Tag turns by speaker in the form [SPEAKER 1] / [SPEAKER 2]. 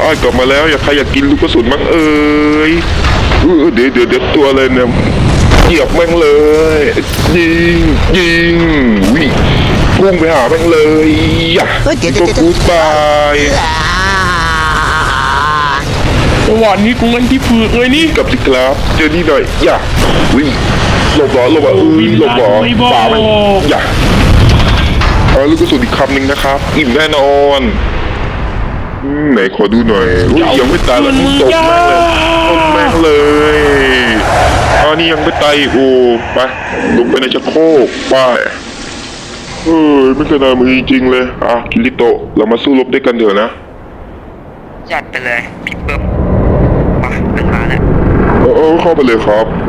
[SPEAKER 1] กลับมาแล้วอยากใครอยากกินลูกกระสุนมั้งเดี๋ยวตัวอะไรเนี่ยเหยียบแม่งเลยยิงวิ่งพุ่งไปหาแม่งเลยก็กูตาย
[SPEAKER 2] จังหวะนี้กูงั้นที่ฝืนเลยนี่
[SPEAKER 1] กลับสิครับเจอนี่หน่อยวิ่งหลบหลบป่ามันลูกกระสุนอีกคำหนึ่งนะครับอิ่มแน่นอนไหนขอดูหน่อยยังไม่ตายเลยตกแม่งเลยนี่ยังไม่ตายอีกไปลงไปในชักโครกไปไม่เคยนานมือจริงเลยคิริโตะเรามาสู้รบด้วยกันเถอะนะ
[SPEAKER 3] จัดไปเลยพี่เบิ้มมาเดินหาแล้ว
[SPEAKER 1] เข้าไปเลยครับ